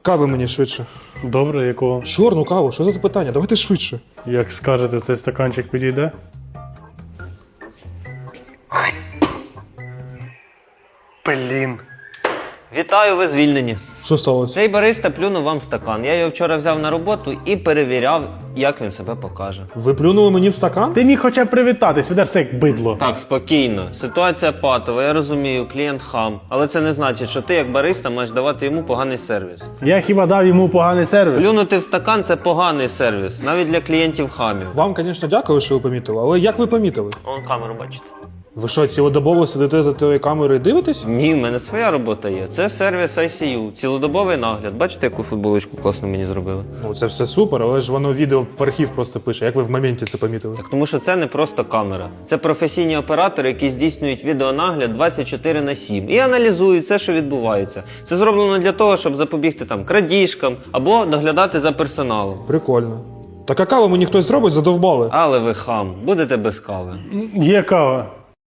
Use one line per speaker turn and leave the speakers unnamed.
Кави мені швидше.
Добре, якого?
Чорну каву, що за запитання? Давайте швидше.
Як скажете, цей стаканчик підійде? Блін.
Вітаю, ви звільнені.
Що сталося?
Цей бариста плюнув вам в стакан. Я його вчора взяв на роботу і перевіряв, як він себе покаже.
Ви плюнули мені в стакан?
Ти міг хоча б привітатись, ведешся як бидло.
Так, спокійно. Ситуація патова, я розумію, клієнт хам. Але це не значить, що ти як бариста маєш давати йому поганий сервіс.
Я хіба дав йому поганий сервіс?
Плюнути в стакан – це поганий сервіс, навіть для клієнтів хамів.
Вам, звісно, дякую, що ви помітили, але як ви помітили?
Вон камеру бачите.
Ви що, цілодобово сидите за тією камерою і дивитесь?
Ні, в мене своя робота є. Це сервіс ICU, цілодобовий нагляд. Бачите, яку футболочку класно мені зробили?
Ну, це все супер, але ж воно відео в архів просто пише. Як ви в моменті це помітили?
Так тому що це не просто камера. Це професійні оператори, які здійснюють відеонагляд 24/7 і аналізують все, що відбувається. Це зроблено для того, щоб запобігти там крадіжкам або доглядати за персоналом.
Прикольно. Так а каву мені хтось зробить, задовбали.
Але ви хам, будете без кави.
Є кава.